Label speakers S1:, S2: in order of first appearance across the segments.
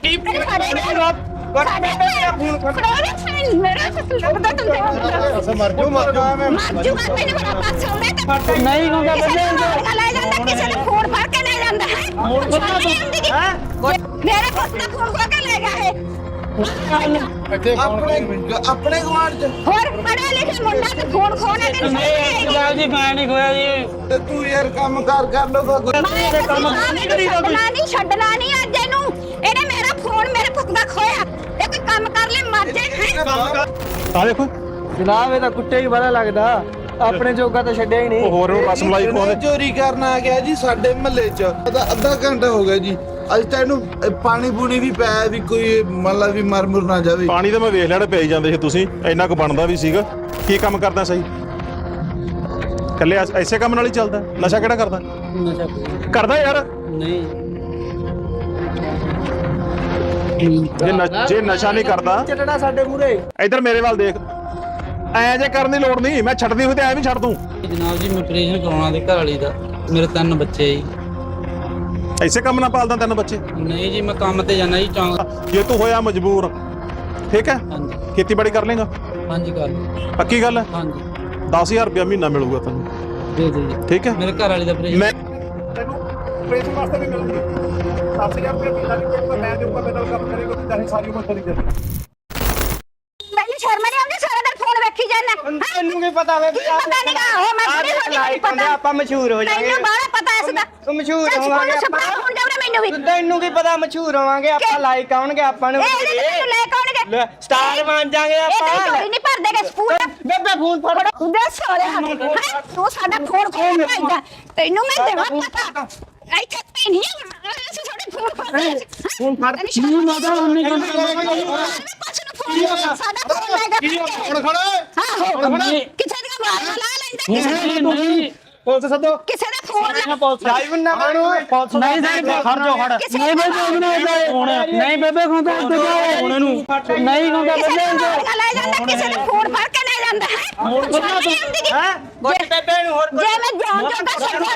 S1: अपने गवांढ च
S2: ਹੋਰ ਪੜਿਆ ਲਿਖਿਆ ਮੁੰਡਾ ਤੇ ਫੋਨ ਖੋਣਾ ਤੇ
S3: ਜੀ ਮੈਂ ਨਹੀਂ ਖੋਇਆ ਜੀ
S1: ਤੇ ਤੂੰ ਯਾਰ ਕੰਮ ਕਰ ਲੋਗਾ
S2: ਨਹੀਂ ਛੱਡਣਾ ਨਹੀਂ ਅੱਜ ਇਹਨੂੰ ਇਹਨੇ ਮੇਰਾ ਫੋਨ ਮੇਰੇ ਪੁੱਤ ਦਾ ਖੋਇਆ ਇਹ ਕੋਈ ਕੰਮ ਕਰ ਲੈ ਮਰ ਜਾਏ
S4: ਆ ਦੇਖੋ
S3: ਜਨਾਬ ਇਹ ਤਾਂ ਕੁੱਤੇ ਹੀ ਬੜਾ ਲੱਗਦਾ ਆਪਣੇ ਜੋਗਾ ਤਾਂ ਛੱਡਿਆ ਹੀ ਨਹੀਂ
S4: ਹੋਰ ਨੂੰ ਰਸਮਲਾਈ ਖਵਾਉਂਦੇ
S1: ਚੋਰੀ ਕਰਨ ਆ ਗਿਆ ਜੀ ਸਾਡੇ ਮਹੱਲੇ ਚ ਅੱਧਾ ਘੰਟਾ ਹੋ ਗਿਆ ਜੀ ਅੱਜ ਤਾਂ ਇਹਨੂੰ ਪਾਣੀ ਪੂਣੀ ਵੀ ਪਿਆ ਵੀ ਕੋਈ ਮਤਲਬ ਵੀ ਮਰ ਮੁਰ ਨਾ ਜਾਵੇ
S4: ਪਾਣੀ ਤਾਂ ਮੈਂ ਵੇਖ ਲੈਣਾ ਪਈ ਜਾਂਦੇ ਸੀ ਤੁਸੀਂ ਇੰਨਾ ਕੁ ਬਣਦਾ ਵੀ ਸੀਗਾ ਕੀ ਕੰਮ ਕਰਦਾ ਸਹੀ ਕੱਲੇ ਐਸੇ ਕੰਮ ਨਾਲ ਹੀ ਚੱਲਦਾ ਨਸ਼ਾ ਕਿਹੜਾ ਕਰਦਾ
S3: ਨਸ਼ਾ
S4: ਕਰਦਾ ਯਾਰ
S3: ਨਹੀਂ
S4: ਜੇ ਨਸ਼ਾ ਨਹੀਂ ਕਰਦਾ
S3: ਚੱਟਣਾ ਸਾਡੇ ਮੂਰੇ
S4: ਇੱਧਰ ਮੇਰੇ ਵੱਲ ਦੇਖ ਐ ਜੇ ਕਰਨ ਦੀ ਲੋੜ ਨਹੀਂ ਮੈਂ ਛੱਡਦੀ ਹੋਈ ਤੇ ਐ ਵੀ ਛੱਡ ਦੂੰ
S3: ਜਨਾਬ ਜੀ ਮੈਂ ਆਪਰੇਸ਼ਨ ਕਰਾਉਣਾ ਦੇ ਘਰ ਵਾਲੀ ਦਾ ਮੇਰੇ 3 ਬੱਚੇ ਜੀ
S4: ਐਸੇ ਕੰਮ ਨਾਲ ਪਾਲਦਾ 3 ਬੱਚੇ
S3: ਨਹੀਂ ਜੀ ਮੈਂ ਕੰਮ ਤੇ ਜਾਣਾ ਜੀ ਚੌਂਕ
S4: ਜੇ ਤੂੰ ਹੋਇਆ ਮਜਬੂਰ ਠੀਕ ਹੈ
S3: ਹਾਂਜੀ
S4: ਖੇਤੀਬਾੜੀ ਕਰ ਲੇਗਾ
S3: ਹਾਂਜੀ ਕਰ ਲਓ।
S4: ਪੱਕੀ ਗੱਲ ਹੈ
S3: ਹਾਂਜੀ
S4: 10000 ਰੁਪਇਆ ਮਹੀਨਾ ਮਿਲੂਗਾ ਤੈਨੂੰ
S3: ਦੇ ਦਿਓ ਜੀ
S4: ਠੀਕ ਹੈ
S3: ਮੇਰੇ ਘਰ ਵਾਲੀ ਦਾ ਆਪਰੇਸ਼ਨ
S4: ਮੈਂ ਤੈਨੂੰ ਆਪਰੇਸ਼ਨ ਵਾਸਤੇ ਵੀ ਮਿਲੂਗੀ 10000 ਰੁਪਇਆ ਮਹੀਨਾ ਵੀ ਦੇਊਗਾ ਮੈਂ ਦੇਊਗਾ ਮੇਰੇ ਨਾਲ ਕੰਮ ਕਰੇਗਾ ਤੇ ਚਾਹੇ ਸਾਰੀ ਉਮਰ ਚਲੀ ਜਾਵੇ
S2: ਮੈਨੂੰ ਸ਼ਰਮ ਨਹੀਂ ਆਉਂਦੀ ਸਾਰਾ ਦਿਨ ਫੋਨ ਵੇਖੀ ਜਾਂਦਾ
S3: ਤੈਨੂੰ ਕੀ ਪਤਾ ਵੇ
S2: ਪਤਾ ਨਹੀਂ ਗਾ ਉਹ ਮੈਂ ਬੜੀ ਹੋਣੀ ਪਤਾ
S3: ਆਪਾਂ ਮਸ਼ਹੂਰ ਹੋ ਜਾਵਾਂਗੇ
S2: ਤੈਨੂੰ ਬਾਹਲਾ ਪਤਾ ਇਸ ਦਾ
S3: ਤੂੰ ਮਸ਼ਹੂਰ ਹੋਵਾਂਗੇ
S2: ਛੱਪਾ ਹੁਣ ਜਾਵੜੇ ਮੈਨੂੰ ਵੀ
S3: ਤੈਨੂੰ ਕੀ ਪਤਾ ਮਸ਼ਹੂਰ ਹੋਵਾਂਗੇ ਆਪਾਂ ਲਾਈਕ ਆਉਣਗੇ ਆਪਾਂ ਨੂੰ
S2: ਇਹ ਲੈ ਕੌਣਗੇ
S3: ਸਟਾਰ ਬਣ ਜਾਾਂਗੇ
S2: ਇਹ
S3: ਆਪਾਂ
S2: ਚੋਰੀ ਨਹੀਂ ਭਰਦੇ ਗੇ ਸਕੂਲ
S3: ਬੇਬੇ ਫੋਨ ਫੜ
S2: ਉਹਦੇ ਸੋਰੇ ਤੂੰ ਸਾਡਾ ਫੋਨ ਖੋਲ ਭਾਈਦਾ ਤੈਨੂੰ ਮੈਂ ਦੇਵਾਂ ਪਤਾ ਇੱਥੇ ਤੇ ਨਹੀਂ ਅਸੀਂ ਸਾਡੇ ਫੋਨ ਫੜਦੇ
S3: ਫੋਨ ਫੜ ਨਹੀਂ ਮਾਦਾ ਉਹਨੇ
S2: ਸਾਡਾ ਫੋਨ ਲੈ ਗਿਆ
S4: ਹੁਣ ਖੜਾ
S2: ਕਿਸੇ ਦੀ ਆਵਾਜ਼ ਲਾ ਲੈਂਦਾ
S3: ਨਹੀਂ
S4: ਪੁਲਿਸ ਸੱਦੋ
S2: ਕਿਸੇ ਦਾ ਫੋਨ
S3: ਲਾਈਵ ਨਾ ਬਣੋ ਨਹੀਂ ਖੜ ਜਾ ਖੜ ਨਹੀਂ ਬੇਬੇ ਨਹੀਂ ਬੇਬੇ ਖੁੰਦਾ ਉੱਤੇ ਹੁਣ ਇਹਨੂੰ ਨਹੀਂ ਖੁੰਦਾ
S2: ਕਿਸੇ ਦਾ ਲੈ ਜਾਂਦਾ ਕਿਸੇ ਦਾ ਫੋਨ ਫੜ ਕੇ ਲੈ ਜਾਂਦਾ ਹੈ
S3: ਗੋਟ ਬੇਬੇ ਨੂੰ ਹੋਰ
S2: ਜੇ ਮੈਂ ਜਾਣ ਜੋਗਾ ਛੱਡਿਆ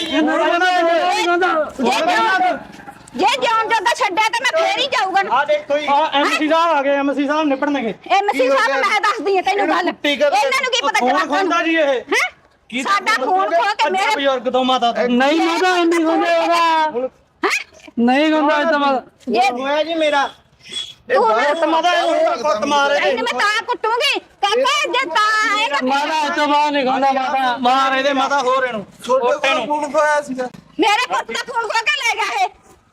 S2: ਜੇ ਜਾਣ ਜੋਗਾ ਛੱਡਿਆ ਤਾਂ ਮੈਂ ਫੇਰ ਹੀ ਜਾਊਗਾ
S3: ਆ ਦੇਖੋ ਜੀ ਐਮਸੀ ਸਾਹਿਬ ਆ ਗਏ ਐਮਸੀ ਸਾਹਿਬ ਨਿਪੜਨਗੇ
S2: ਐਮਸੀ ਸਾਹਿਬ ਮੈਂ ਦੱਸਦੀ ਹਾਂ ਤੈਨੂੰ ਗੱਲ ਇਹਨਾਂ ਨੂੰ ਕੀ ਪਤਾ
S3: ਕੌਣ ਖੁੰਦਾ ਜੀ ਇਹ
S2: ਹੈ ਸਾਡਾ ਫੋਨ ਖੋ ਕੇ ਮੇਰੇ
S3: ਬਜ਼ੁਰਗ ਤੋਂ ਮਾਤਾ ਨਹੀਂ ਮਾਤਾ ਨਹੀਂ ਖੁੰਦਾ ਉਹਦਾ ਨਹੀਂ ਖੁੰਦਾ ਇਹ ਤਾਂ
S2: ਜੇ
S3: ਹੋਇਆ ਜੀ ਮੇਰਾ
S2: ਤੂੰ
S3: ਮਾਤਾ ਕੁੱਟ ਮਾਰੇ
S2: ਇਹਨੂੰ ਮੈਂ ਤਾਂ ਕੁੱਟੂਗੀ ਕਾਕਾ ਜੇ ਤਾਂ ਆਏਗਾ
S3: ਮਾਤਾ ਇਹ ਤੋਂ ਬਾਹਰ ਨਹੀਂ ਖੁੰਦਾ ਮਾਤਾ ਮਾਰ ਇਹਦੇ ਮਾਤਾ ਹੋਰ ਇਹਨੂੰ
S1: ਛੋਟੇ ਕੋਲ ਫੋਨ ਖੋਇਆ ਸੀਗਾ
S2: ਮੇਰੇ ਪੁੱਤ ਦਾ ਫੋਨ ਖੋ ਕੇ ਲੈ ਗਿਆ ਇਹ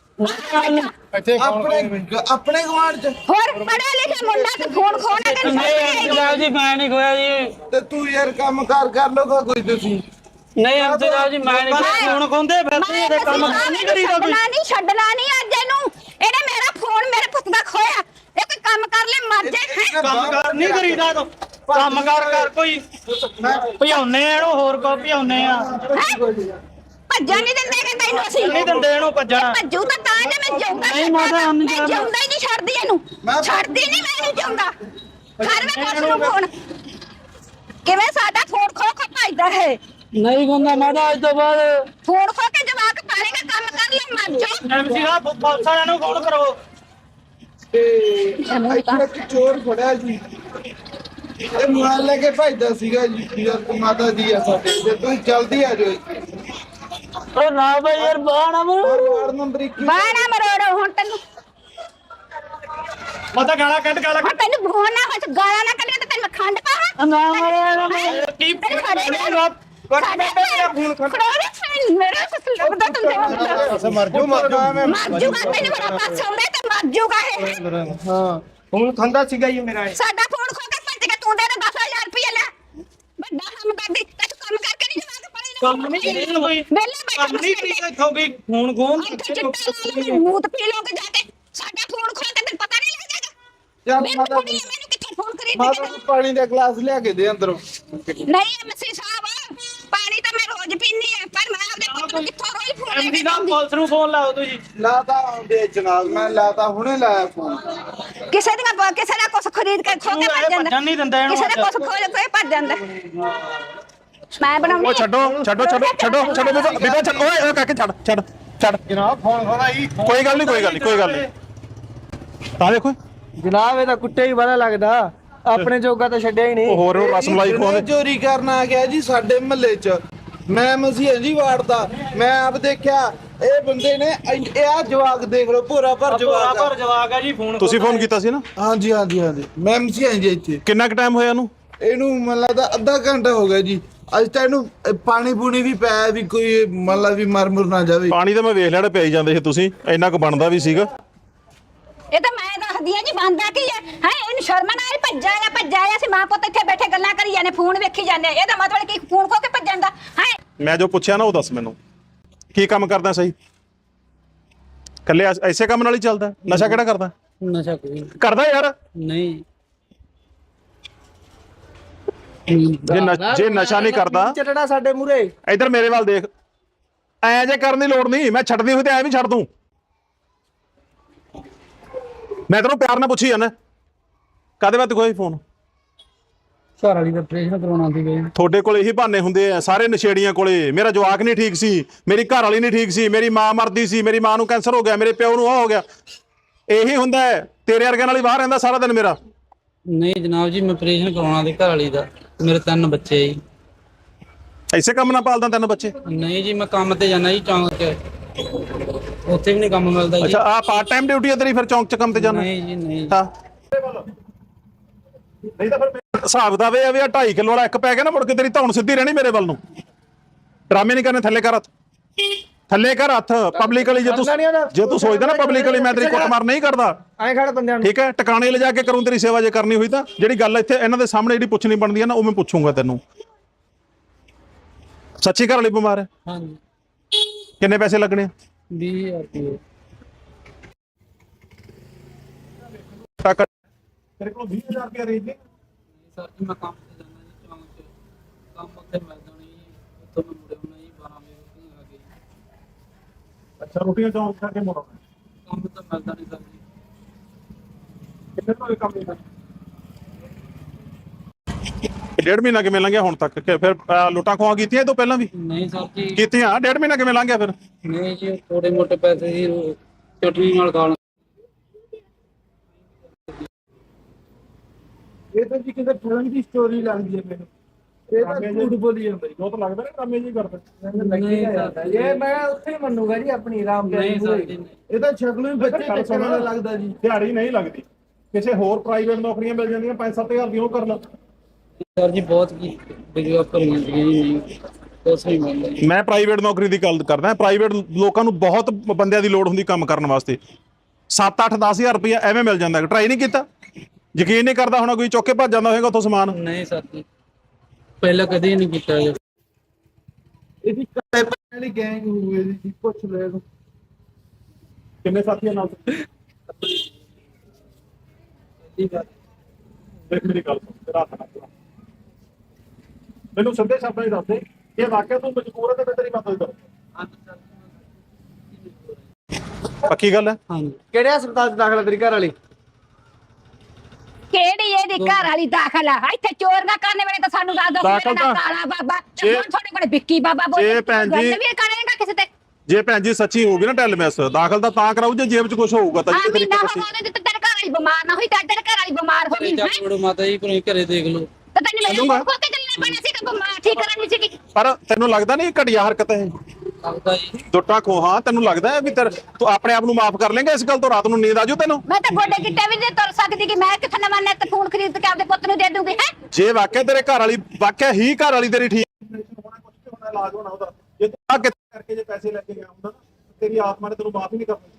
S1: ਆਪਣੇ ਗਵਾਂਢ ਚ
S2: ਹੋਰ ਪੜਿਆ ਲਿਖਿਆ ਮੁੰਡਾ ਤੇ ਫੋਨ ਖੋਣਾ ਤੇ
S3: ਜਨਾਬ ਜੀ ਮੈਂ ਨਹੀਂ ਖੋਇਆ ਜੀ
S1: ਤੇ ਤੂੰ ਯਾਰ ਕੰਮ ਕਰ ਲੋਗਾ ਕੋਈ ਤੁਸੀਂ
S3: ਨਹੀਂ ਜਨਾਬ ਜੀ ਮੈਂ ਨਹੀਂ ਫੋਨ ਖੋਂਦੇ ਫਿਰਦੇ ਇਹਦੇ ਕੰਮ ਨਹੀਂ ਕਰੀਦਾ ਕੋਈ
S2: ਛੱਡਣਾ ਨਹੀਂ ਅੱਜ ਇਹਨੂੰ ਇਹਨੇ ਮੇਰਾ ਫੋਨ ਮੇਰੇ ਪੁੱਤ ਦਾ ਖੋਇਆ ਇਹ ਕੋਈ ਕੰਮ ਕਰ ਲੈ ਮਰ ਜਾਏ
S3: ਕੰਮ ਕਰ ਨਹੀਂ ਕਰੀਦਾ ਤੂੰ ਕੰਮ ਕਰ ਕੋਈ ਭਜਾਉਨੇ ਆ ਇਹਨੂੰ ਹੋਰ ਕੋ ਭਜਾਉਨੇ ਆ
S2: ਭੱਜਣ ਨਹੀਂ ਦਿੰਦੇ ਕਿ ਤੈਨੂੰ ਅਸੀਂ
S3: ਨਹੀਂ ਦਿੰਦੇ ਇਹਨੂੰ ਭੱਜਣਾ
S2: ਭੱਜੂ ਤਾਂ ਜੇ ਮੈਂ ਜਾਊਂਗਾ
S3: ਨਹੀਂ ਮਾਤਾ
S2: ਮੈਂ ਜਾਊਂਗਾ ਹੀ ਨਹੀਂ ਛੱਡਦੀ ਇਹਨੂੰ ਛੱਡਦੀ ਨਹੀਂ ਮੈਂ ਨਹੀਂ ਜਾਊਂਗਾ ਘਰ ਵਿੱਚ ਪੁੱਛ ਨੂੰ ਫੋਨ ਕਿਵੇਂ ਸਾਡਾ ਫੋਨ ਖੋ ਕੇ ਭੱਜਦਾ ਹੈ
S3: ਨਹੀਂ ਖੁੰਦਾ ਮਾਤਾ ਅੱਜ ਤੋਂ ਬਾਅਦ
S2: ਫੋਨ ਖੋ ਕੇ ਜਵਾਕ ਪਾਲੇਗਾ ਕੰਮ ਕਰ ਲੈ ਮਰ ਜਾ
S3: ਐਮਸੀ ਸਾਹਿਬ ਪੁਲਿਸ ਵਾਲਿਆਂ ਨੂੰ ਫੋਨ ਕਰੋ
S1: ਤੇ ਇੱਥੇ ਇੱਕ ਚੋਰ ਫੜਿਆ ਜੀ ਇਹ ਮੋਬਾਈਲ ਲੈ ਕੇ ਭੱਜਦਾ ਸੀਗਾ ਜੀ ਯਾਰ ਮਾਤਾ ਜੀ ਆ ਸਾਡੇ ਤੇ ਤੁਸੀਂ ਜਲਦੀ ਆ ਜਾਓ
S3: ਓ ਨਾ ਬਈ ਯਾਰ ਬਾਣਾ
S1: ਵਾਰਡ ਨੰਬਰ 21
S2: ਬਾਣਾ ਮਰੋੜੋ ਹੁਣ ਤੈਨੂੰ
S3: ਮਾਤਾ ਗਾਲਾਂ ਕੱਢ ਗਾਲਾਂ
S2: ਹੁਣ ਤੈਨੂੰ ਫੋਨ ਨਾ ਹੋਇਆ ਗਾਲਾਂ ਨਾ ਕੱਢੇ ਤੇ ਤੈਨੂੰ ਖੰਡ ਪਾਵਾਂ
S3: ਨਾ ਮਾਰੇ ਕੀ
S2: ਸਾਡੇ
S3: ਮੇਰਾ ਫੋਨ
S2: ਮੇਰਾ ਕੁਛ ਲੱਗਦਾ ਤੁੰਦੇ
S1: ਮਰ ਜੂਗਾ
S2: ਮਰ ਜੂਗਾ ਤੈਨੂੰ ਬੜਾ ਪਾਸ ਆਉਂਦਾ ਤੇ ਮਰ ਜੂਗਾ ਇਹ
S3: ਹਾਂ ਫੋਨ ਖੰਦਾ ਸੀਗਾ ਜੀ ਮੇਰਾ
S2: ਸਾਡਾ ਫੋਨ ਖੋ ਕੇ ਭੱਜ ਗਿਆ ਤੂੰ ਦੇ 10000 ਰੁਪਏ ਲੈ ਵੱਡਾ ਕੰਮ ਕਰਦੀ ਤੇ ਤੂੰ ਕੰਮ ਕਰਕੇ ਨਹੀਂ ਜਵਾਕ ਪੜੇ
S3: ਕੰਮ ਨਹੀਂ ਕਰੀ ਕੋਈ
S2: ਵੇਲੇ ਬੈਠਾ
S3: ਕੰਮ ਨਹੀਂ ਕਰੀ ਇੱਥੋਂ ਵੀ ਫੋਨ ਖੋਨ
S2: ਮੂਤ ਪੀ ਲੋਗੇ ਜਾ ਕੇ ਸਾਡਾ ਫੋਨ ਖੋ ਕੇ ਤੈਨੂੰ ਪਤਾ ਨਹੀਂ ਲੱਗੇਗਾ
S1: ਯਾਰ
S2: ਮੈਨੂੰ ਕਿੱਥੇ ਫੋਨ ਕਰੀ
S1: ਮਾਤਾ ਨੂੰ ਪਾਣੀ ਦਾ ਗਲਾਸ ਲਿਆ ਕੇ ਦੇ ਅੰਦਰੋਂ
S2: ਨਹੀਂ ਐਮਸੀ ਸਾਹਿਬ ਪਾਣੀ ਤਾਂ ਮੈਂ ਰੋਜ਼ ਪੀਨੀ ਹੈ ਪਰ ਮੈਂ ਆਪਦੇ ਪੁੱਤ ਨੂੰ ਕਿੱਥੋਂ ਰੋਜ਼ ਫੋਨ
S3: ਐਮਸੀ ਸਾਹਿਬ ਪੁਲਿਸ ਨੂੰ ਫੋਨ ਲਾਓ ਤੁਸੀਂ
S1: ਲਾਤਾ ਆਉਂਦੇ ਜਨਾਬ ਮੈਂ ਲਾਤਾ ਹੁਣੇ ਲਾਇਆ ਫੋਨ
S2: ਕਿਸੇ ਦਾ ਕੁਛ ਖਰੀਦ ਕੇ ਖੋ ਕੇ ਭੱਜ ਜਾਂਦਾ
S3: ਨਹੀਂ ਦਿੰਦਾ ਇਹਨੂੰ
S2: ਕਿਸੇ ਦਾ ਕੁਛ ਖੋਲ ਕੇ ਭੱਜ ਜਾਂਦਾ ਮੈਂ ਬਣਾਉਣੀ
S4: ਉਹ ਛੱਡੋ ਬੀਬਾ ਛੱਡ ਓਏ ਕਾਕੇ ਛੱਡ
S1: ਜਨਾਬ ਫੋਨ ਖੋਲਾ ਜੀ
S4: ਕੋਈ ਗੱਲ ਨਹੀਂ ਤਾਂ ਦੇਖੋ
S3: ਜਨਾਬ ਇਹਦਾ ਕੁੱਤੇ ਹੀ ਬੜਾ ਲੱਗਦਾ ਆਪਣੇ ਜੋਗਾ ਤਾਂ ਛੱਡਿਆ ਹੀ ਨਹੀਂ।
S4: ਹੋਰ ਰਸਮਲਾਈ ਖਵਾਉਂਦੇ
S1: ਚੋਰੀ ਕਰਨ ਆ ਗਿਆ ਜੀ ਸਾਡੇ ਮਹੱਲੇ 'ਚ। ਮੈਂ ਮਸੀਹ ਜੀ ਵਾਰਦਾ, ਮੈਂ ਆਪ ਦੇਖਿਆ ਇਹ ਬੰਦੇ ਨੇ ਇਹ ਆ ਜਵਾਕ ਦੇਖ ਲਓ, ਭੋਰਾ ਭਰ ਜਵਾਕ
S3: ਆ ਜੀ। ਫੋਨ
S4: ਤੁਸੀਂ ਫੋਨ ਕੀਤਾ ਸੀ ਨਾ?
S1: ਹਾਂਜੀ ਹਾਂਜੀ ਹਾਂਜੀ, ਮੈਂ ਮਸੀਹ ਜੀ ਇੱਥੇ।
S4: ਕਿੰਨਾ ਕੁ ਟਾਈਮ ਹੋਇਆ
S1: ਇਹਨੂੰ ਮੈਨੂੰ ਲੱਗਦਾ ਅੱਧਾ ਘੰਟਾ ਹੋ ਗਿਆ ਜੀ। ਅੱਜ ਤਾਂ ਇਹਨੂੰ ਪਾਣੀ ਪੂਣੀ ਵੀ ਪਿਆ ਵੀ ਕੋਈ ਮਤਲਬ ਵੀ ਮਰ ਮੁਰ ਨਾ ਜਾਵੇ।
S4: ਪਾਣੀ ਤਾਂ ਮੈਂ ਵੇਖ ਲਿਆ ਪਿਆਈ ਜਾਂਦੇ ਸੀ ਤੁਸੀਂ, ਇੰਨਾ ਕੁ ਬਣਦਾ ਵੀ ਸੀਗਾ।
S2: ਇਹ ਤਾਂ ਮੈਂ ਦੱਸਦੀ ਆ ਜੀ, ਬੰਦਾ ਕੀ ਹੈ ਇਹਨੂੰ ਸ਼ਰਮ ਨਾ ਆਈ, ਭੱਜਾ ਆਇਆ ਸੀ। ਮਾਂ ਪੁੱਤ ਇੱਥੇ ਬੈਠੇ ਗੱਲਾਂ ਕਰੀ ਜਾਂਦੇ, ਫੋਨ ਵੇਖੀ ਜਾਂਦੇ। ਇਹਦਾ ਮਤਲਬ ਕੀ ਫੋਨ ਖੋ ਕੇ ਭੱਜਣ ਦਾ ਹੈ?
S4: ਮੈਂ ਜੋ ਪੁੱਛਿਆ ਨਾ ਉਹ ਦੱਸ ਮੈਨੂੰ, ਕੀ ਕੰਮ ਕਰਦਾ ਸਹੀ? ਕੱਲੇ ਐਸੇ ਕੰਮ ਨਾਲ ਹੀ ਚੱਲਦਾ? ਨਸ਼ਾ ਕਿਹੜਾ ਕਰਦਾ?
S3: ਨਸ਼ਾ ਕੋਈ
S4: ਕਰਦਾ ਯਾਰ
S3: ਨਹੀਂ।
S4: ਜੇ ਨਸ਼ਾ ਨਹੀਂ ਕਰਦਾ
S3: ਚੱਟਣਾ ਸਾਡੇ ਮੂਰੇ।
S4: ਇਧਰ ਮੇਰੇ ਵੱਲ ਦੇਖ, ਐ ਜੇ ਕਰਨ ਦੀ ਲੋੜ ਨਹੀਂ। ਮੈਂ ਛੱਡਦੀ ਹੋਈ ਤੇ ਐ ਵੀ ਛੱਡ ਦੂੰ। ਮੈਂ ਤੈਨੂੰ ਪਿਆਰ ਨਾਲ ਪੁੱਛੀ ਜਾਂਦਾ ਕਾਹਦੇ ਵਾਸਤੇ ਕੋਈ ਫੋਨ?
S3: ਘਰ ਵਾਲੀ ਦਾ ਆਪਰੇਸ਼ਨ ਕਰਾਉਣਾ ਸੀ ਗਏ।
S4: ਤੁਹਾਡੇ ਕੋਲ ਇਹੀ ਬਹਾਨੇ ਹੁੰਦੇ ਆ ਸਾਰੇ ਨਸ਼ੇੜੀਆਂ ਕੋਲੇ। ਮੇਰਾ ਜਵਾਕ ਨਹੀਂ ਠੀਕ ਸੀ, ਮੇਰੀ ਘਰ ਵਾਲੀ ਨਹੀਂ ਠੀਕ ਸੀ, ਮੇਰੀ ਮਾਂ ਮਰਦੀ ਸੀ, ਮੇਰੀ ਮਾਂ ਨੂੰ ਕੈਂਸਰ ਹੋ ਗਿਆ, ਮੇਰੇ ਪਿਓ ਨੂੰ ਹੋ ਗਿਆ। ਇਹੀ ਹੁੰਦਾ ਹੈ। ਤੇਰੇ ਵਰਗਿਆਂ ਨਾਲ ਹੀ ਬਾਹਰ ਰਹਿੰਦਾ ਸਾਰਾ ਦਿਨ ਮੇਰਾ।
S3: ਨਹੀਂ ਜਨਾਬ ਜੀ, ਮੈਂ ਆਪਰੇਸ਼ਨ ਕਰਾਉਣਾ ਸੀ ਘਰ ਵਾਲੀ ਦਾ। ਮੇਰੇ 3 ਬੱਚੇ ਜੀ।
S4: ਐਸੇ ਕੰਮ ਨਾਲ ਪਾਲਦਾ 3 ਬੱਚੇ?
S3: ਨਹੀਂ ਜੀ, ਮੈਂ ਕੰਮ ਤੇ ਜਾਣਾ ਜੀ ਚੌਂਕ 'ਚ, ਉੱਥੇ ਵੀ ਨਹੀਂ ਕੰਮ ਮਿਲਦਾ ਜੀ।
S4: ਅੱਛਾ, ਆ ਪਾਰਟ ਟਾਈਮ ਡਿਊਟੀ ਹੈ ਤੇਰੀ? ਫਿਰ ਚੌਂਕ 'ਚ ਕੰਮ ਤੇ ਜਾਣਾ?
S3: ਨਹੀਂ ਜੀ ਨਹੀਂ।
S4: ਹਾਂ, ਨਹੀਂ ਤਾਂ ਫਿਰ ਹਿਸਾਬ ਦਾ ਵੇ ਆ ਵੀ 2.5 ਕਿਲੋ ਵਾਲਾ ਇੱਕ ਪੈ ਗਿਆ ਨਾ, ਮੁੜ ਕੇ ਤੇਰੀ ਧੌਣ ਸਿੱਧੀ ਰਹਿਣੀ ਮੇਰੇ ਵੱਲ ਨੂੰ। ਡਰਾਮੇ ਨਹੀਂ ਕਰਨੇ। ਥੱਲੇ ਕਰ ਹੱਥ, ਥੱਲੇ ਕਰ ਹੱਥ। ਪਬਲਿਕਲੀ ਜੇ ਤੂੰ ਸੋਚਦਾ ਨਾ ਪਬਲਿਕਲੀ ਮੈਂ ਤੇਰੀ ਕੁੱਟਮਾਰ ਨਹੀਂ ਕਰਦਾ,
S3: ਐਂ ਖੜ ਬੰਦਿਆਂ ਨੂੰ।
S4: ਠੀਕ ਹੈ, ਟਿਕਾਣੇ ਲਿਜਾ ਕੇ ਕਰੂੰ ਤੇਰੀ ਸੇਵਾ ਜੇ ਕਰਨੀ ਹੋਈ ਤਾਂ। ਜਿਹੜੀ ਗੱਲ ਇੱਥੇ ਇਹਨਾਂ ਦੇ ਸਾਹਮਣੇ ਜਿਹੜੀ ਪੁੱਛਣੀ ਬਣਦੀ ਹੈ ਨਾ, ਉਹ ਮੈਂ ਪੁੱਛੂੰਗਾ ਤੈਨੂੰ। ਸੱਚੀ ਘਰ ਵਾਲੀ ਬਿਮਾਰ ਹੈ?
S3: ਹਾਂਜੀ।
S4: ਕਿੰਨੇ ਪੈਸੇ ਲੱਗਣੇ?
S3: 20,000 ਰੁਪਏ।
S4: ਤੇਰੇ ਕੋਲ 20,000 ਰੁਪਏ ਰੇਂਜ ਨੇ?
S3: ਸਰ ਜੀ ਮੈਂ ਕੰਮ ਤੇ ਜਾਣਾ ਜੀ ਚੌਂਕ 'ਚ, ਕੰਮ ਉੱਥੇ ਮਿਲਦਾ ਨਹੀਂ ਜੀ। ਉੱਥੋਂ ਮੈਂ ਮੁੜੇ ਹੋਣਾ ਜੀ 12 ਵਜੇ ਆ ਗਏ।
S4: ਅੱਛਾ, ਰੋਟੀਆਂ ਚੌਂਕ ਖਾ ਕੇ ਮੋੜਾਂ?
S3: ਕੰਮ ਤਾਂ ਮਿਲਦਾ ਨਹੀਂ ਸਰ ਜੀ।
S4: ਕਿੰਨੇ ਤੋਂ ਕੰਮ ਨਹੀਂ? 1.5 ਮਹੀਨਾ ਕਿਵੇਂ ਲੰਘਿਆ ਹੁਣ ਤੱਕ? ਕਿ ਫਿਰ ਲੁੱਟਾਂ ਖੋਹਾਂ ਕੀਤੀਆਂ ਇਹ ਤੋਂ ਪਹਿਲਾਂ ਵੀ?
S3: ਨਹੀਂ ਸਰ ਜੀ
S4: ਕੀਤੀਆਂ। 1.5 ਮਹੀਨਾ ਕਿਵੇਂ ਲੰਘਿਆ ਫਿਰ?
S3: ਨਹੀਂ ਜੀ, ਥੋੜੇ ਮੋਟੇ ਪੈਸੇ ਸੀ ਚਟਨੀ ਨਾਲ ਖਾ
S1: ਇਹ ਤਾਂ ਜੀ ਕਿਸੇ ਫਿਲਮ ਦੀ ਸਟੋਰੀ ਲੱਗਦੀ ਹੈ ਮੈਨੂੰ। ਇਹ ਤਾਂ ਝੂਠ ਬੋਲੀ ਜਾਂਦਾ ਜੀ।
S4: ਉਹ ਤਾਂ ਲੱਗਦਾ ਨਾ ਡਰਾਮੇ ਜੀ ਕਰਦਾ।
S1: ਇਹ ਮੈਂ ਉੱਥੇ ਮੰਨੂਗਾ ਜੀ ਆਪਣੀ ਰਾਮ
S3: ਨਹੀਂ ਸਰ ਜੀ ਨਹੀਂ।
S1: ਇਹ ਤਾਂ ਸ਼ਕਲੋਂ ਹੀ ਬੱਚੇ ਚੱਕਣ ਵਾਲਾ ਲੱਗਦਾ ਜੀ।
S4: ਦਿਹਾੜੀ ਨਹੀਂ ਲੱਗਦੀ। ਕਿਸੇ ਹੋਰ ਪ੍ਰਾਈਵੇਟ ਨੌਕਰੀਆਂ ਮਿਲ ਜਾਂਦੀਆਂ 5-7 ਹਜ਼ਾਰ ਦੀਆਂ, ਉਹ ਕਰ ਲਾ।
S3: ਸਰ ਜੀ ਬਹੁਤ ਕੀ ਡਿਗਰੀਆਂ ਭਰੀਆਂ ਸੀਗੀਆਂ ਜੀ, ਨਹੀਂ ਕੁਛ ਨਹੀਂ ਮਿਲਦਾ ਜੀ।
S4: ਮੈਂ ਪ੍ਰਾਈਵੇਟ ਨੌਕਰੀ ਦੀ ਗੱਲ ਕਰਦਾ। ਪ੍ਰਾਈਵੇਟ ਲੋਕਾਂ ਨੂੰ ਬਹੁਤ ਬੰਦਿਆਂ ਦੀ ਲੋੜ ਹੁੰਦੀ ਕੰਮ ਕਰਨ ਵਾਸਤੇ। 7-8-10 ਹਜ਼ਾਰ ਰੁਪਇਆ ਐਵੇਂ ਮਿਲ ਜਾਂਦਾ। ਟਰਾਈ ਨਹੀਂ ਕੀਤਾ? ਯਕੀਨ ਨਹੀਂ ਕਰਦਾ ਹੁਣ ਕੋਈ ਚੁੱਕ ਕੇ ਭੱਜ ਜਾਂਦਾ ਹੋਏਗਾ ਉੱਥੋਂ ਸਮਾਨ?
S3: ਨਹੀਂ ਸਰ ਜੀ, ਪਹਿਲਾਂ ਕਦੇ ਨਹੀਂ ਕੀਤਾ ਜੀ।
S1: ਇਹਦੀ ਕਾਲੇ ਪੈਣ ਵਾਲੀ ਗੈਂਗ ਹੋਵੇ ਜੀ, ਪੁੱਛ ਲੈ ਇਹਨੂੰ।
S4: ਕਿੰਨੇ ਸਾਥੀਆਂ ਨਾਲ? ਦੇਖ ਮੇਰੀ ਗੱਲ ਸੁਣ, ਤੇਰਾ ਹੱਥ ਨਾ ਚਲਾ। ਮੈਨੂੰ ਸਿੱਧੇ ਸ਼ਬਦਾਂ 'ਚ ਦੱਸ ਦੇ, ਇਹ ਵਾਕਿਆ ਤੂੰ ਮਜਬੂਰ ਹੈ ਤੇ ਮੈਂ ਤੇਰੀ ਮਦਦ ਕਰਾਂ। ਪੱਕੀ ਗੱਲ ਹੈ?
S3: ਹਾਂਜੀ।
S1: ਕਿਹੜੇ ਹਸਪਤਾਲ 'ਚ ਦਾਖਲ ਤੇਰੀ ਘਰ ਵਾਲੀ?
S2: ਕਿਹੜੀ ਇਹਦੀ ਘਰ ਵਾਲੀ ਦਾਖਲ ਆ? ਇੱਥੇ ਚੋਰੀਆਂ ਕਰਨ ਵੇਲੇ ਤਾਂ ਸਾਨੂੰ ਦੱਸ ਦੋ
S4: ਦਾਖਲ ਤਾਂ
S2: ਕਾਲਾ ਬਾਬਾ,
S4: ਜੇ-
S2: ਤੁਹਾਡੇ ਕੋਲ ਵਿੱਕੀ ਬਾਬਾ ਬੋਲ
S4: ਜੇ ਭੈਣ ਜੀ-
S2: ਵੀ ਕਰੇਗਾ ਕਿਸੇ ਤੇ।
S4: ਜੇ ਭੈਣ ਜੀ ਸੱਚੀ ਹੋਊਗੀ ਨਾ ਟੈਲ ਮੈਸ, ਦਾਖਲ ਤਾਂ ਕਰਾਊ ਜੇ ਜੇਬ 'ਚ ਕੁਝ ਹੋਊਗਾ ਤਾਂ।
S2: ਆ
S4: ਜੇ ਤੇਰੀ
S2: ਮਹੀਨਾ
S4: ਕਿਸੇ
S2: ਹੋ ਗਿਆ ਤੇ ਤੇਰੇ ਘਰ ਵਾਲੀ ਬਿਮਾਰ ਨਾ ਹੋਈ ਤਾਂ ਤੇਰੇ ਘਰ ਵਾਲੀ ਬਿਮਾਰ ਹੋ ਗਈ ਹੈ।
S3: ਚਲੋ ਮਾਤਾ ਜੀ ਕੋਈ ਘਰੇ ਦੇਖ ਲਓ।
S2: ਤਾਂ ਤੈਨੂੰ ਮੈਨੂੰ ਕੋਲ ਕੇ ਚੱਲਣਾ ਪੈਣਾ ਸੀ ਕਿ ਬਿਮਾਰ ਠੀਕ ਕਰਨੀ ਸੀਗੀ।
S4: ਪਰ ਤੈਨੂੰ ਲੱਗਦਾ ਨਹੀਂ ਘਟੀਆ ਹਰਕਤ ਹੈ?
S3: ਲੱਗਦਾ ਜੀ।
S4: ਦੁੱਟਾ ਖੋਹਾਂ ਤੈਨੂੰ ਲੱਗਦਾ ਹੈ ਵੀ ਤੂੰ ਆਪਣੇ ਆਪ ਨੂੰ ਮਾਫ ਕਰ ਲੇਂਗਾ ਇਸ ਗੱਲ ਤੋਂ? ਰਾਤ ਨੂੰ ਨੀਂਦ ਆਜੂ ਤੈਨੂੰ?
S2: ਮੈਂ ਤਾਂ ਗੋਡੇ ਗਿੱਟੇ ਵੀ ਨਹੀਂ ਤੁਰ ਸਕਦੀ ਕਿ ਮੈਂ ਕਿੱਥੇ ਨਵਾਂ ਨੈਟ ਫੋਨ ਖਰੀਦ ਕੇ ਆਪਦੇ ਪੁੱਤ ਨੂੰ ਦੇ ਦੂੰਗੀ ਹੈ।
S4: ਜੇ ਵਾਕਿਆ ਤੇਰੇ ਘਰ ਵਾਲੀ ਵਾਕਿਆ ਹੀ ਘਰ ਵਾਲੀ ਤੇਰੀ ਠੀਕ ਹੋਣਾ, ਕੁਝ ਵੀ ਹੋਣਾ, ਇਲਾਜ ਹੋਣਾ ਉਹਦਾ, ਜੇ ਤੂੰ ਆ ਕਿਤੇ ਕਰਕੇ ਜੇ ਪੈਸੇ ਲੈ ਕੇ ਗਿਆ ਹੁੰਦਾ ਨਾ, ਤੇਰੀ ਆਤਮਾ ਨੇ ਤੈਨੂੰ ਮਾਫ ਹੀ ਨਹੀਂ ਕਰਨੀ।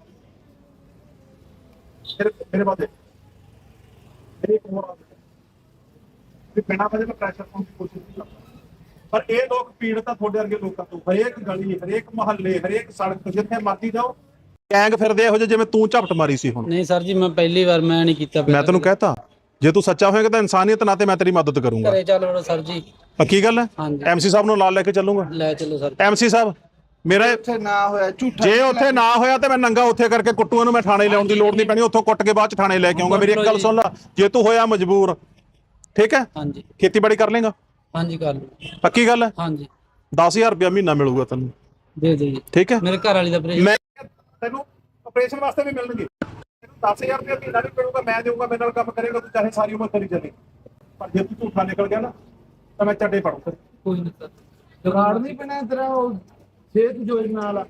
S4: ਮੇਰੇ ਬਾਤ ਮੇਰੀ ਇੱਕ ਹੋਰ ਆਦਤ ਹੈ ਵੀ ਬਿਨਾਂ ਵਜ੍ਹਾ ਤੋਂ ਪ੍ਰੈਸ਼ਰ ਪਾਉਣ ਦੀ ਕੋਸ਼ਿਸ਼ ਨਹੀਂ ਕਰਦਾ। ਪਰ ਇਹ ਲੋਕ ਪੀੜਤ ਆ ਤੁਹਾਡੇ ਵਰਗੇ ਲੋਕਾਂ ਤੋਂ। ਹਰੇਕ ਗਲੀ, ਹਰੇਕ ਮੁਹੱਲੇ, ਹਰੇਕ ਸੜਕ, ਜਿੱਥੇ ਮਰਜ਼ੀ ਜਾਓ ਗੈਂਗ ਫਿਰਦੇ ਇਹੋ ਜਿਹੇ ਜਿਵੇਂ ਤੂੰ ਝਪਟ ਮਾਰੀ ਸੀ ਹੁਣ।
S3: ਨਹੀਂ ਸਰ ਜੀ, ਮੈਂ ਪਹਿਲੀ ਵਾਰ ਮੈਂ ਨਹੀਂ ਕੀਤਾ।
S4: ਮੈਂ ਤੈਨੂੰ ਕਹਿਤਾ ਜੇ ਤੂੰ ਸੱਚਾ ਹੋਏਗਾ ਤਾਂ ਇਨਸਾਨੀਅਤ ਨਾਤੇ ਮੈਂ ਤੇਰੀ ਮਦਦ ਕਰੂੰਗਾ।
S3: ਘਰੇ ਚੱਲ ਵੜੋ ਸਰ ਜੀ।
S4: ਪੱਕੀ ਗੱਲ ਹੈ?
S3: ਹਾਂਜੀ।
S4: ਐਮਸੀ ਸਾਹਿਬ ਨੂੰ ਨਾਲ ਲੈ ਕੇ ਚੱਲੂੰਗਾ।
S3: ਲੈ ਚਲੋ ਸਰ।
S4: ਐਮਸੀ ਸਾਹਿਬ ਮੇਰਾ
S1: ਉੱਥੇ ਨਾ ਹੋਇਆ ਝੂਠਾ।
S4: ਜੇ ਉੱਥੇ ਨਾ ਹੋਇਆ ਤੇ ਮੈਂ ਨੰਗਾ ਉੱਥੇ ਕਰਕੇ ਕੁੱਟੂਆਂ ਨੂੰ ਮੈਂ ਥਾਣੇ ਲਿਆਉਣ ਦੀ ਲੋੜ ਨਹੀਂ ਪੈਣੀ। ਉੱਥੋਂ ਕੁੱਟ ਕੇ ਬਾਅਦ ਚ ਥਾਣੇ ਲੈ ਕੇ ਆਉਂਗਾ। ਮੇਰੀ ਇੱਕ ਗੱਲ ਸੁਣ ਲੈ, ਜੇ ਤੂੰ ਹੋਇਆ ਮਜਬੂਰ, ਠੀਕ ਹੈ,
S3: ਹਾਂਜੀ
S4: ਖੇਤੀਬਾੜੀ ਕਰ ਲੇਗਾ?
S3: ਹਾਂਜੀ ਕਰ ਲਓ।
S4: ਪੱਕੀ ਗੱਲ ਹੈ?
S3: ਹਾਂਜੀ
S4: 10,000 ਰੁਪਇਆ ਮਹੀਨਾ ਮਿਲੂਗਾ ਤੈਨੂੰ,
S3: ਦੇ ਦਿਓ ਜੀ।
S4: ਠੀਕ ਹੈ?
S3: ਮੇਰੇ ਘਰ ਵਾਲੀ ਦਾ ਆਪਰੇਸ਼ਨ।
S4: ਮੈਂ ਤੈਨੂੰ ਆਪਰੇਸ਼ਨ ਵਾਸਤੇ ਵੀ ਮਿਲਣਗੇ। 10,000 ਰੁਪਏ ਮਹੀਨਾ ਵੀ ਮਿਲੂਗਾ, ਮੈਂ ਦੇਊਗਾ, ਮੇਰੇ ਨਾਲ ਕੰਮ ਕਰੇਗਾ, ਤੂੰ ਚਾਹੇ ਸਾਰੀ ਉਮਰ ਕਰੀ ਚੱਲੇ। ਪਰ ਜੇ ਤੂੰ ਝੂਠਾ ਨਿਕਲ ਗਿਆ ਨਾ ਤਾਂ ਮੈਂ ਚੱਡੇ ਪੜੂ।
S3: ਕੋਈ ਨਹੀਂ ਸਰ।
S1: ਕਾਰਡ ਨਹੀਂ ਬਣਿਆ ਤੇਰਾ ਉਹ ਸਿਹਤ ਯੋਜਨਾ ਵਾਲਾ?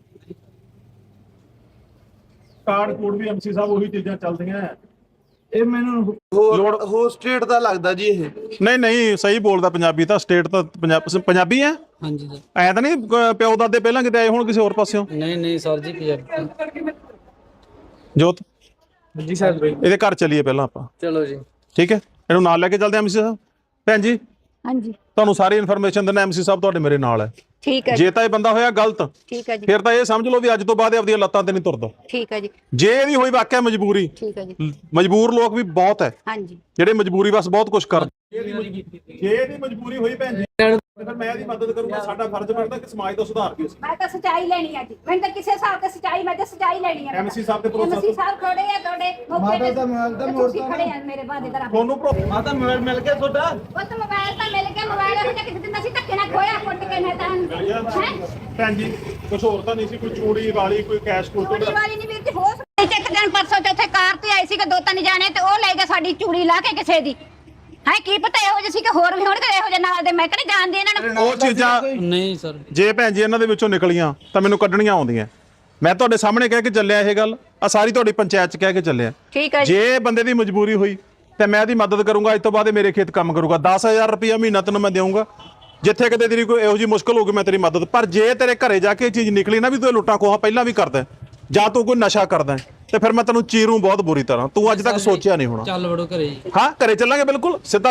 S4: ਕਾਰਡ ਕੋਡ ਵੀ ਐਮਸੀ ਸਾਹਿਬ ਉਹੀ ਚੀਜ਼ਾਂ ਚੱਲਦੀਆਂ।
S1: ਇਹ ਮੈਨੂੰ ਹੋਰ ਸਟੇਟ ਦਾ ਲੱਗਦਾ ਜੀ ਇਹ।
S4: ਨਹੀਂ ਸਹੀ ਬੋਲਦਾ, ਪੰਜਾਬੀ ਤਾਂ ਸਟੇਟ ਤਾਂ ਪੰਜਾਬੀ ਹੈ।
S3: ਹਾਂਜੀ ਸਰ।
S4: ਐ ਤਾਂ ਨਹੀਂ ਪਿਓ ਦਾਦੇ ਪਹਿਲਾਂ ਕਿਤੇ ਆਏ ਹੁਣ ਕਿਸੇ ਹੋਰ ਪਾਸਿਓਂ?
S3: ਨਹੀਂ ਸਰ ਜੀ ਪੰਜਾਬੀ।
S4: ਜੋਤ
S3: ਜੀ ਸਰ
S4: ਇਹਦੇ ਘਰ ਚੱਲੀਏ ਪਹਿਲਾਂ ਆਪਾਂ।
S3: ਚਲੋ ਜੀ
S4: ਠੀਕ ਹੈ, ਇਹਨੂੰ ਨਾਲ ਲੈ ਕੇ ਚੱਲਦੇ ਐਮਸੀ ਸਾਹਿਬ। ਭੈਣ ਜੀ
S2: ਹਾਂਜੀ
S4: ਤੁਹਾਨੂੰ ਸਾਰੀ ਇਨਫੋਰਮੇਸ਼ਨ ਦਿੰਦਾ, ਐਮਸੀ ਸਾਹਿਬ ਤੁਹਾਡੇ ਮੇਰੇ ਨਾਲ ਹੈ।
S2: ਠੀਕ ਹੈ
S4: ਜੇ ਤਾਂ ਇਹ ਬੰਦਾ ਹੋਇਆ ਗਲਤ,
S2: ਠੀਕ ਹੈ ਜੀ,
S4: ਫਿਰ ਤਾਂ ਇਹ ਸਮਝ ਲਓ ਵੀ ਅੱਜ ਤੋਂ ਬਾਅਦ ਇਹ ਆਪਣੀਆਂ ਲੱਤਾਂ ਤੇ ਨਹੀਂ ਤੁਰਦਾ।
S2: ਠੀਕ ਹੈ ਜੀ,
S4: ਜੇ ਇਹਦੀ ਹੋਈ ਵਾਕਿਆ ਮਜਬੂਰੀ,
S2: ਠੀਕ ਹੈ ਜੀ,
S4: ਮਜਬੂਰ ਲੋਕ ਵੀ ਬਹੁਤ ਹੈ
S2: ਹਾਂਜੀ
S4: ਜਿਹੜੇ ਮਜਬੂਰੀ ਬਸ ਬਹੁਤ ਕੁਝ ਕਰਦੇ। ਜੇ ਇਹਦੀ ਮਜਬੂਰੀ ਹੋਈ ਭੈਣ ਜੀ, ਫਿਰ ਮੈਂ ਇਹਦੀ ਮਦਦ ਕਰੂੰਗਾ। ਸਾਡਾ ਫਰਜ਼ ਬਣਦਾ ਕਿ ਸਮਾਜ ਦਾ ਸੁਧਾਰ ਕੀ ਅਸੀਂ।
S2: ਮੈਂ ਤਾਂ ਸਚਾਈ ਲੈਣੀ ਆ ਜੀ, ਮੈਨੂੰ ਤਾਂ ਕਿਸੇ ਹਿਸਾਬ ਤੇ ਸਚਾਈ, ਮੈਂ ਤਾਂ ਸਚਾਈ ਲੈਣੀ ਆ।
S4: ਐਮਸੀ ਸਾਹਿਬ ਤੇ ਭਰੋਸਾ
S2: ਐਮਸੀ ਸਾਹਿਬ ਖੜੇ ਆ ਤੁਹਾਡੇ
S1: ਮਾਤਾ ਦਾ ਮੋਬਾਈਲ ਤਾਂ
S2: ਤੁਸੀਂ
S1: ਮੋੜਤਾ
S2: ਖੜੇ ਆ ਮੇਰੇ ਬਾਦੇ ਦਾ।
S4: ਤੁਹਾਨੂੰ
S1: ਮਾਤਾ ਮੋਬਾਈਲ ਮਿਲ ਗਿਆ ਤੁਹਾਡਾ?
S2: ਉਹ ਤਾਂ ਮੋਬਾਈਲ ਤਾਂ ਮਿਲ ਗਿਆ, ਮੋਬਾਈਲ ਇਹੋ ਜਿਹਾ ਕਿਸੇ ਦਿਨ ਅਸੀਂ ਧੱਕੇ ਨਾਲ ਖੋਇਆ, ਕੁੱਟ ਕੇ ਨਾ ਤਾਂ ਹੈ
S4: ਭੈਣ ਜੀ ਕੁਝ ਹੋਰ ਤਾਂ ਨਹੀਂ ਸੀ, ਕੋਈ ਚੂੜੀ ਵਾਲੀ, ਕੋਈ ਕੈਸ਼ ਕੋਲ
S2: ਚੂੜੀ ਵਾਲੀ ਨਹੀਂ ਵੀਰ ਜੀ, ਹੋ ਸਕਦਾ ਇੱਕ ਦਿਨ ਪਰਸੋਂ ਚੌਥੇ ਕਾਰ ਤੇ ਆਏ ਸੀ ਕਿ 2-3 ਜਾਣੇ ਤੇ ਉਹ ਲੈ ਗਏ ਸਾਡੀ ਚੂੜੀ ਲਾ ਕੇ ਕਿਸੇ ਦੀ। ਹੈ ਕੀ ਪਤਾ ਇਹੋ ਜਿਹੇ ਸੀ ਕਿ ਹੋਰ ਵੀ ਹੋਣਗੇ ਇਹੋ ਜਿਹੇ ਨਾਲ ਦੇ, ਮੈਂ ਕਹਿੰਦੀ ਜਾਣਦੀ ਇਹਨਾਂ ਨੂੰ।
S4: ਉਹ ਚੀਜ਼ਾਂ
S3: ਨਹੀਂ ਸਰ।
S4: ਜੇ ਭੈਣ ਜੀ ਇਹਨਾਂ ਦੇ ਵਿੱਚੋਂ ਨਿਕਲੀਆਂ ਤਾਂ ਮੈਨੂੰ ਕੱਢਣੀਆਂ ਆਉਂਦੀਆਂ। ਮੈਂ ਤੁਹਾਡੇ ਸਾਹਮਣੇ ਕਹਿ ਕੇ ਚੱਲਿਆ ਇਹ ਗੱਲ, ਆ ਸਾਰੀ ਤੁਹਾਡੀ ਪੰਚਾਇਤ ਚ ਕਹਿ ਕੇ ਚੱਲਿਆ।
S2: ਠੀਕ ਹੈ ਜੀ,
S4: ਜੇ ਬੰਦੇ ਦੀ ਮਜਬੂਰੀ ਹੋਈ ਤੇ ਮੈਂ ਇਹਦੀ ਮਦਦ ਕਰੂੰਗਾ। ਅੱਜ ਤੋਂ ਬਾਅਦ ਇਹ ਮੇਰੇ ਖੇਤ ਕੰਮ ਕਰੂਗਾ। 10,000 ਰੁਪਇਆ ਮਹੀਨਾ ਤੈਨੂੰ ਮੈਂ ਦੇਵਾਂਗਾ। ਜਿੱਥੇ ਕਿਤੇ ਤੇਰੀ ਕੋਈ ਇਹੋ ਜਿਹੀ ਮੁਸ਼ਕਲ ਹੋਊਗੀ ਮੈਂ ਤੇਰੀ ਮਦਦ। ਪਰ ਜੇ ਤੇਰੇ ਘਰੇ ਜਾ ਕੇ ਇਹ ਚੀਜ਼ ਨਿਕਲੀ ਨਾ ਵੀ ਤੂੰ ਲੁੱਟਾਂ ਖੋਹਾਂ ਪਹਿਲਾਂ ਵੀ ਕਰਦਾ ਜਾਂ ਤੂੰ ਕੋਈ ਨਸ਼ਾ ਕਰਦਾ ਤੇ ਫਿਰ ਮੈਂ ਤੈਨੂੰ ਚੀਰੂ ਬਹੁਤ ਬੁਰੀ ਤਰ੍ਹਾਂ। ਤੂੰ ਅੱਜ ਤੱਕ ਸੋਚਿਆ ਨਹੀਂ ਹੋਣਾ।
S3: ਚੱਲ ਵੜੋ ਘਰੇ ਜੀ।
S4: ਹਾਂ ਘਰੇ ਚੱਲਾਂਗੇ ਬਿਲਕੁਲ ਸਿੱਧਾ।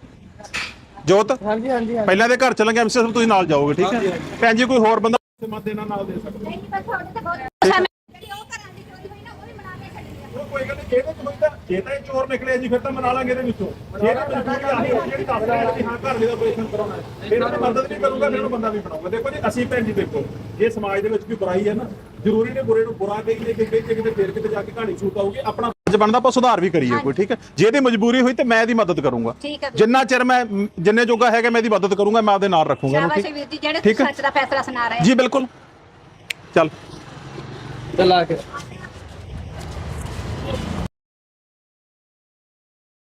S4: ਜੋਤ
S1: ਹਾਂਜੀ ਹਾਂਜੀ
S4: ਪਹਿਲਾਂ ਦੇ ਘਰ ਚੱਲਾਂਗੇ। ਐਮਸੀ ਸਾਹਿਬ ਤੁਸੀਂ ਨਾਲ ਜਾਓਗੇ, ਠੀਕ ਹੈ ਭੈਣ ਜੀ? ਕੋਈ ਹੋਰ ਬੰਦਾ ਮਤ ਦੇਣਾ ਨਾਲ ਦੇ ਸਕਦਾ।
S2: ਨਹੀਂ ਬਸ ਤੁਹਾਡੇ ਤੇ ਬਹੁਤ ਜਿਹੜੀ ਉਹ ਘਰਾਂ ਦੀ ਚੋਰੀ ਹੋਈ ਨਾ ਉਹ ਵੀ ਮਨਾ ਕੇ ਛੱਡੀ ਆ।
S4: ਉਹ ਕੋਈ ਗੱਲ ਨਹੀਂ, ਜਿਹਦੇ ਚ ਹੋਈ ਤਾਂ ਜੇ ਤਾਂ ਇਹ ਚੋਰ ਨਿਕਲੇ ਜੀ ਫਿਰ ਤਾਂ ਮਨਾ ਲਾਂਗੇ ਇਹਦੇ ਵਿੱਚੋਂ। ਜੇ ਤਾਂ ਮਜਬੂਰੀ ਆਹੀ ਹੋਈ ਜਿਹੜੀ ਦੱਸ ਰਿਹਾ ਕਿ ਹਾਂ ਘਰ ਦੇ ਦਾ ਆਪਰੇਸ਼ਨ ਕਰਾਉਣਾ ਹੈ, ਫਿਰ ਉਹਦੀ ਮਦਦ ਨਹੀਂ ਕਰੂੰਗਾ, ਫਿਰ ਉਹਨੂੰ ਬੰਦਾ ਵੀ ਬਣਾਉਂਗਾ। ਦੇਖੋ ਜੀ ਅਸੀਂ ਭੈਣ ਜੀ ਦੇਖੋ, ਜੇ ਸਮਾਜ ਦੇ ਵਿੱਚ ਕੋਈ ਬੁਰਾਈ ਹੈ ਨਾ, ਜ਼ਰੂਰੀ ਨੇ ਬੁਰੇ ਨੂੰ ਬੁਰਾ ਕਹੀਏ ਕਿ ਕਿਤੇ ਫੇਰ ਕਿਤੇ ਜਾ ਕੇ ਕਹਾਣੀ ਛੂਟ ਆਊਗੀ। ਆਪਣਾ ਫਰਜ਼ ਬਣਦਾ ਆਪਾਂ ਸੁਧਾਰ ਵੀ ਕਰੀਏ ਕੋਈ, ਠੀਕ ਹੈ? ਜੇ ਇਹਦੀ ਮਜਬੂਰੀ ਹੋਈ ਤੇ ਮੈਂ ਇਹਦੀ ਮਦਦ ਕਰੂੰਗਾ।
S2: ਠੀਕ ਹੈ
S4: ਜਿੰਨਾ ਚਿਰ ਮੈਂ ਜਿੰਨੇ ਜੋਗਾ ਹੈਗਾ ਮੈਂ ਇਹਦੀ ਮਦਦ ਕਰੂੰਗਾ, ਮੈਂ ਆਪਦੇ ਨਾਲ ਰੱਖੂੰਗਾ।
S2: ਸ਼ਾਬਾਸ਼ ਵੀਰ ਜੀ, ਜਿਹੜੇ ਸੱਚ ਦਾ ਫੈਸਲਾ ਸੁਣਾ ਰਹੇ
S4: ਜੀ ਬਿਲਕੁਲ। ਚੱਲ
S3: ਚਲਾ ਕੇ